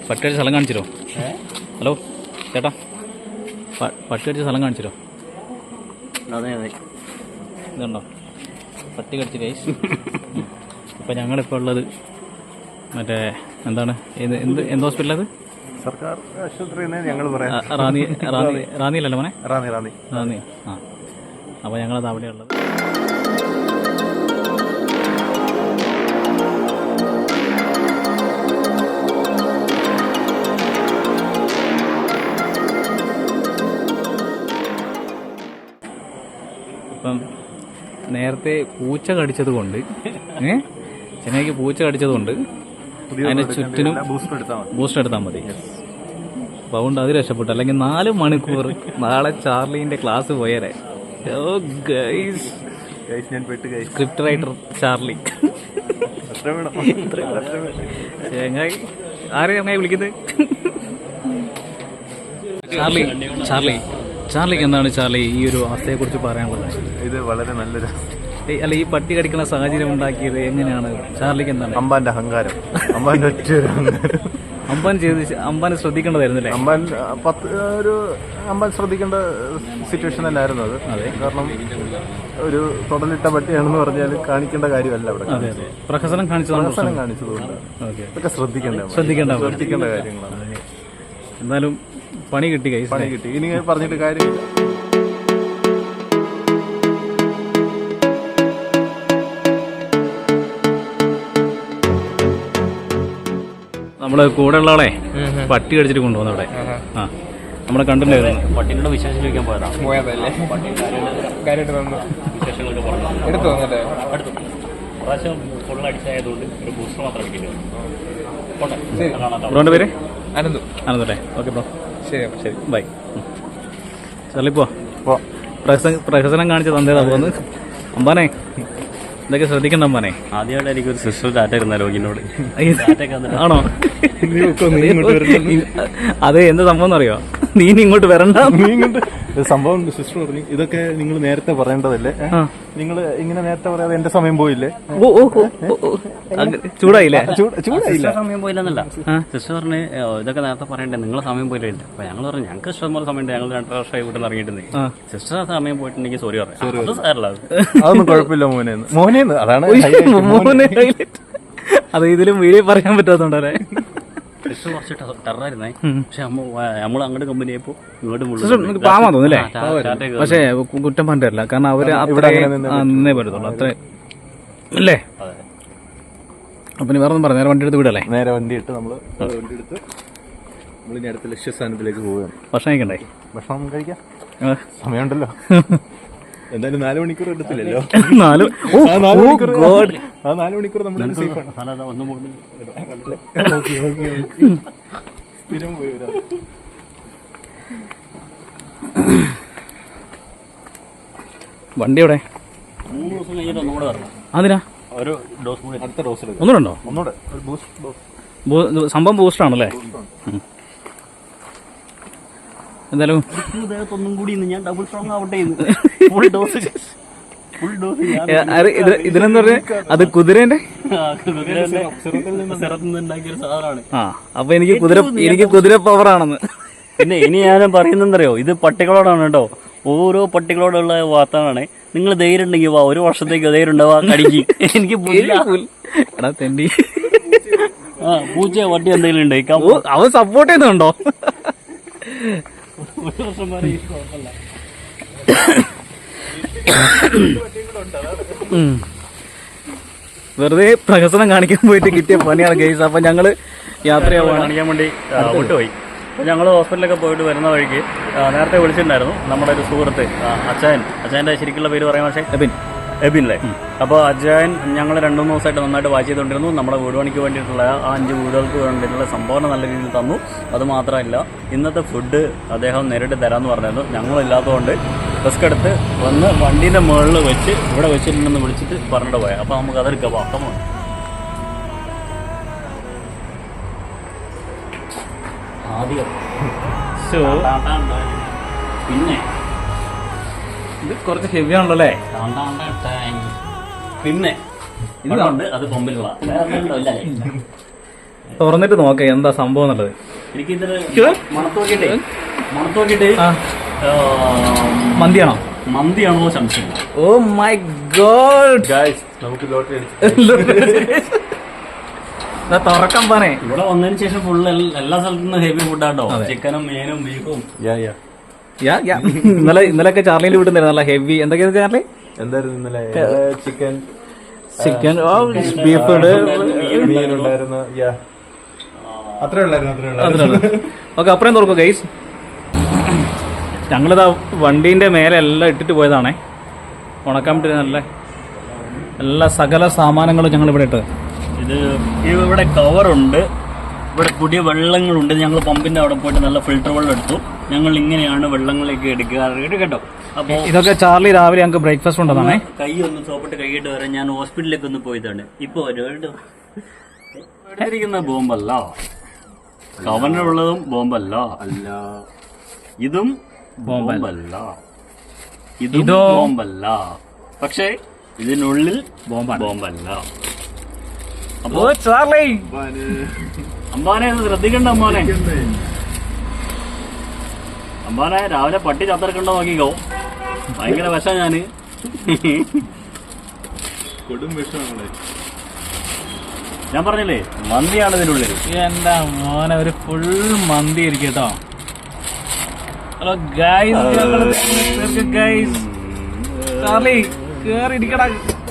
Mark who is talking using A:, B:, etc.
A: പട്ടി അടിച്ച സ്ഥലം കാണിച്ചിരോ? ഹലോ ചേട്ടാ, പട്ടി അടിച്ച സ്ഥലം കാണിച്ചിരോ?
B: അതെ അതെ,
A: ഇതുണ്ടോ പട്ടി കടിച്ച് ഗൈസ്. ഇപ്പം ഞങ്ങളിപ്പോൾ ഉള്ളത് മറ്റേ എന്താണ് എന്ത് ഹോസ്പിറ്റലത്?
B: സർക്കാർ ആശുപത്രി ഞങ്ങൾ പറയാം.
A: റാന്നിയിലല്ലോ മോനെ?
B: റാന്നി.
A: ആ, അപ്പോൾ ഞങ്ങളത് അവിടെയുള്ളത്. ഇപ്പം നേരത്തെ പൂച്ച കടിച്ചത് കൊണ്ട് ചെന്നൈക്ക് പൂച്ച കടിച്ചത് കൊണ്ട് അതിൻ്റെ ചുറ്റിനും ബൂസ്റ്റർ എടുത്താൽ മതി. അപ്പോൾ അതുകൊണ്ട് അത് രക്ഷപ്പെട്ടു. അല്ലെങ്കിൽ 4 മണിക്കൂർ നാളെ ചാർലീൻ്റെ ക്ലാസ് പോയേരെ. Script writer Charlie. ആരെയും അങ്ങനെ വിളിക്കുന്നത്? ചാർലിക്ക് എന്താണ് ചാർലി ഈ ഒരു അവസ്ഥയെക്കുറിച്ച് പറയാനുള്ളത്?
B: ഇത് വളരെ നല്ലൊരു
A: അല്ല, ഈ പട്ടി കടിക്കുന്ന സാഹചര്യം ഉണ്ടാക്കിയത് എങ്ങനെയാണ്? ചാർലിക്ക് എന്താണ്?
B: അമ്പാന്റെ അഹങ്കാരം, അമ്പാന്റെ ഒറ്റ
A: അമ്പാന് ശ്രദ്ധിക്കേണ്ടതായിരുന്നല്ലേ?
B: അമ്പാൻ ശ്രദ്ധിക്കേണ്ട സിറ്റുവേഷൻ തന്നെയായിരുന്നു അത്. അതെ, കാരണം ഒരു തൊടലിട്ട പട്ടിയാണെന്ന് പറഞ്ഞാൽ കാണിക്കേണ്ട കാര്യമല്ല അവിടെ.
A: അതെ, പ്രഹസനം കാണിച്ചതുകൊണ്ട്
B: ഇതൊക്കെ ശ്രദ്ധിക്കേണ്ട കാര്യങ്ങളാണ്.
A: എന്തായാലും പണി കിട്ടി.
B: ഇനി പറഞ്ഞിട്ട് കാര്യമില്ല.
A: നമ്മള് കൂടെ ഉള്ള ആളെ പട്ടി കടിച്ചിട്ട് കൊണ്ടുവന്നു അവിടെ. ആ, നമ്മളെ കണ്ടിട്ടുണ്ടായിരുന്നു.
C: പട്ടിനോട് വിശേഷം ചോദിക്കാൻ പോയതല്ലേ? പ്രാവശ്യം ഫുൾ അടിച്ചായതുകൊണ്ട് ഒരു ബൂസ്റ്റർ മാത്രം അടിക്കേണ്ടി.
A: ബ്രോന്റെ പേര്? അനന്തല്ലേ? ഓക്കെ ബ്രോ, ശരി ബൈ. ചളിപ്പോ പ്രഹസനം കാണിച്ച തന്നേതാ പോന്ന്. അമ്പാനെ ഇതൊക്കെ ശ്രദ്ധിക്കണ്ട അമ്പാനെ.
C: ആദ്യമായിട്ട് എനിക്കൊരു സിസ്റ്റർ ഡാറ്റ ഇരുന്ന ലോഗിനോട്.
A: ആണോ? അത് എന്ത് സംഭവം എന്നറിയോ? നീ ഇങ്ങോട്ട് വരണ്ട.
B: സംഭവം സിസ്റ്റർ പറഞ്ഞു, ഇതൊക്കെ നിങ്ങൾ നേരത്തെ പറയേണ്ടതല്ലേ? നിങ്ങൾ ഇങ്ങനെ നേരത്തെ പറയാതെ എന്റെ സമയം പോയില്ലേ?
A: ചൂടായില്ലേ?
C: ചൂടായില്ല, സമയം പോയില്ലെന്നല്ല. സിസ്റ്റർ പറഞ്ഞു ഇതൊക്കെ നേരത്തെ പറയണ്ടേ, നിങ്ങളെ സമയം പോയില്ല. അപ്പൊ ഞങ്ങൾ പറഞ്ഞു ഞങ്ങൾക്ക് ഇഷ്ടംപോലെ സമയം ഉണ്ട്, ഞങ്ങൾ 2 വർഷമായി വീട്ടിൽ ഇറങ്ങിയിട്ടുണ്ടെങ്കിൽ. സിസ്റ്റർ സമയം പോയിട്ടുണ്ടെങ്കിൽ സോറി പറയാം.
B: അതൊന്നും കുഴപ്പമില്ല മോനേന്ന്. അതാണ്
A: അത് ഇതിലും വീഡിയോ പറയാൻ പറ്റാത്തോണ്ടല്ലേ.
C: സിസ്റ്റർ കുറച്ച് ടെററായിരുന്നേ. പക്ഷെ നമ്മൾ അങ്ങോട്ട് കമ്പനി ആയപ്പോ ഇങ്ങോട്ട്
A: പാവാൻ തോന്നില്ലേ? പക്ഷെ കുറ്റം പറഞ്ഞിട്ടില്ല, കാരണം അവര് നിന്നേ പറ്റത്തുള്ളൂ, അത്ര അല്ലേ? അപ്പൊ നീ വേറെ ഒന്നും പറഞ്ഞു, നേരെ വണ്ടി എടുത്ത് വിടല്ലേ?
B: നേരെ വണ്ടി ഇട്ട് നമ്മള് നമ്മളിനി അടുത്ത ലക്ഷ്യസ്ഥാനത്തിലേക്ക് പോവുകയാണ്.
A: ഭക്ഷണം കഴിക്കണ്ടേ?
B: ഭക്ഷണം കഴിക്കാം, സമയമുണ്ടല്ലോ. എന്തായാലും 4 മണിക്കൂർ എടുത്തില്ലല്ലോ. 4 മണിക്കൂർ നമ്മൾ സ്ഥിരം പോയി വരാം.
A: വണ്ടി എവിടെ?
C: 3 ദിവസം കഴിഞ്ഞിട്ട് ഒന്നുകൂടെ വരണം.
A: അതിനാ
C: ഒരു ഡോസ് കൂടി,
B: അടുത്ത ഡോസ്
A: ഒന്നുകൂടെ
B: ഒന്നുകൂടെ
A: സംഭവം ബൂസ്റ്ററാണല്ലേ? എന്തായാലും
C: ഒന്നും കൂടി ഞാൻ ഡബിൾ സ്ട്രോങ് ആവട്ടെ. ഫുൾ ഡോസ്
A: ഇതിനെന്ന് പറഞ്ഞ അത് കുതിരേന്റെ
C: ഉണ്ടാക്കിയൊരു സാധനമാണ്.
A: ആ, അപ്പൊ എനിക്ക് കുതിര പവറാണെന്ന്.
C: പിന്നെ ഇനി ഞാൻ പറയുന്നറിയോ, ഇത് പട്ടികളോടാണ് കേട്ടോ. ഓരോ പട്ടികളോടുള്ള വാർത്തകളാണ്. നിങ്ങൾ ധൈര്യം ഉണ്ടെങ്കിൽ വാ, 1 വർഷത്തേക്ക് ധൈര്യം ഉണ്ടാവാ കടിക്ക്. എനിക്ക്
A: എടാ തെണ്ടി,
C: പൂച്ച വട്ടി എന്തെങ്കിലും ഉണ്ട്
A: അവൻ സപ്പോർട്ട് ചെയ്യുന്നുണ്ടോ?
C: 1 വർഷം വരെ കുഴപ്പമില്ല.
A: വെറുതെ പ്രഹസനം കാണിക്കാൻ പോയിട്ട് കിട്ടിയ പണിയാണ് ഗൈസ്. അപ്പൊ ഞങ്ങള് യാത്രയാവാൻ
C: കാണിക്കാൻ വേണ്ടി വിട്ടുപോയി. അപ്പോൾ ഞങ്ങൾ ഹോസ്പിറ്റലിലൊക്കെ പോയിട്ട് വരുന്ന വഴിക്ക് നേരത്തെ വിളിച്ചിട്ടുണ്ടായിരുന്നു നമ്മുടെ ഒരു സുഹൃത്ത് അച്ചായൻ്റെ ശരിക്കുള്ള പേര് പറയാൻ, പക്ഷേ എബിൻ അല്ലേ? അപ്പോൾ അജയൻ ഞങ്ങൾ 2-3 ദിവസമായിട്ട് നന്നായിട്ട് വാച്ച് ചെയ്തുകൊണ്ടിരുന്നു. നമ്മുടെ വീട് പണിക്ക് വേണ്ടിയിട്ടുള്ള ആ 5 വീടുകൾക്ക് വേണ്ടിയിട്ടുള്ള സംഭാവന നല്ല രീതിയിൽ തന്നു. അതുമാത്രമല്ല, ഇന്നത്തെ ഫുഡ് അദ്ദേഹം നേരിട്ട് തരാമെന്ന് പറഞ്ഞിരുന്നു. ഞങ്ങളില്ലാത്തതുകൊണ്ട് റിസ്ക് എടുത്ത് വന്ന് വണ്ടീൻ്റെ മുകളിൽ വെച്ച് ഇവിടെ വെച്ചിട്ടുണ്ടെന്ന് വിളിച്ചിട്ട് പറഞ്ഞിട്ട് പോയാൽ. അപ്പോൾ നമുക്ക് അതെടുക്കാം. വാക്കമാണ് ആദ്യം. പിന്നെ
A: ഇത് കുറച്ച് ഹെവി ആണല്ലോ.
C: പിന്നെ ഇതുകൊണ്ട് അത് കൊമ്പിലുള്ള
A: തുറന്നിട്ട് നോക്കാം എന്താ സംഭവം എന്നുള്ളത്.
C: എനിക്കിതിന് മണത്തോക്കിട്ട്
A: മന്തിയാണോ
C: മന്തിയാണോ സംശയം.
A: ഓ മൈ ഗോഡ്,
B: ഗായ്സ് നമുക്ക് ലോട്ടറി
A: തുറക്കാൻ പറഞ്ഞേ.
C: ഇവിടെ വന്നതിന് ശേഷം ഫുള്ള് എല്ലാ സ്ഥലത്തുനിന്നും ഹെവി ഫുഡാട്ടോ. ചിക്കനും മീനും ബീഫും.
A: ഇന്നലെയൊക്കെ ചാർലിയിൽ വിട്ടുന്നില്ല നല്ല ഹെവി. എന്തൊക്കെയാണ് ചാർലി?
B: എന്തായിരുന്നു ഇന്നലെ? ചിക്കൻ
A: ബീഫ്
B: മീനുണ്ടായിരുന്നു. അത്രേ ഉള്ളായിരുന്നു.
A: ഓക്കെ, അപ്പുറം തുറക്കും ഗൈസ്. ഞങ്ങളിതാ വണ്ടീൻ്റെ മേലെ എല്ലാം ഇട്ടിട്ട് പോയതാണേ, ഉണക്കാൻ പറ്റിയ നല്ല എല്ലാ സകല സാമാനങ്ങളും ഞങ്ങൾ ഇവിടെ ഇട്ടത്.
C: ഇത് ഇവിടെ കവറുണ്ട്, ഇവിടെ പുതിയ വെള്ളങ്ങളുണ്ട്. ഞങ്ങൾ പമ്പിന്റെ അവിടെ പോയിട്ട് നല്ല ഫിൽറ്റർ വെള്ളം എടുത്തു. ഞങ്ങൾ ഇങ്ങനെയാണ് വെള്ളങ്ങളൊക്കെ എടുക്കാറ് കേട്ടോ. അപ്പോൾ
A: ഇതൊക്കെ ചാർലി രാവിലെ ഞങ്ങൾക്ക് ബ്രേക്ക്ഫാസ്റ്റ് ഉണ്ടെന്നാണേ.
C: കൈ ഒന്ന് സോപ്പിട്ട് കൈയിട്ട് വരാൻ ഞാൻ ഹോസ്പിറ്റലിലേക്ക് ഒന്ന് പോയതാണ്. ഇപ്പൊ എടുത്തിരിക്കുന്ന ബോംബല്ല, കവറിനുള്ളതും ബോംബല്ല, അല്ല ഇതും ബോംബല്ല, ഇതും ബോംബല്ല, പക്ഷേ ഇതിനുള്ളിൽ ബോംബല്ല. അപ്പോ
A: ചാർലി
C: അമ്പാനെ ശ്രദ്ധിക്കണ്ട. അമ്പാനെ രാവിലെ പട്ടി ചത്തിറക്കണ്ടോ നോക്കിക്കോ. ഭയങ്കര വിഷ ഞാന്.
B: കൊടും വിഷമാണ്.
C: ഞാൻ പറഞ്ഞില്ലേ മന്തിയാണ് ഇതിനുള്ളിൽ.
A: എന്താ മോനെ, ഒരു ഫുൾ മന്തി ഇരിക്കും കേട്ടോ. ഹലോ ഗൈസ്, ഗൈസ് ചാർലി കേറി ഇരിക്കടാ.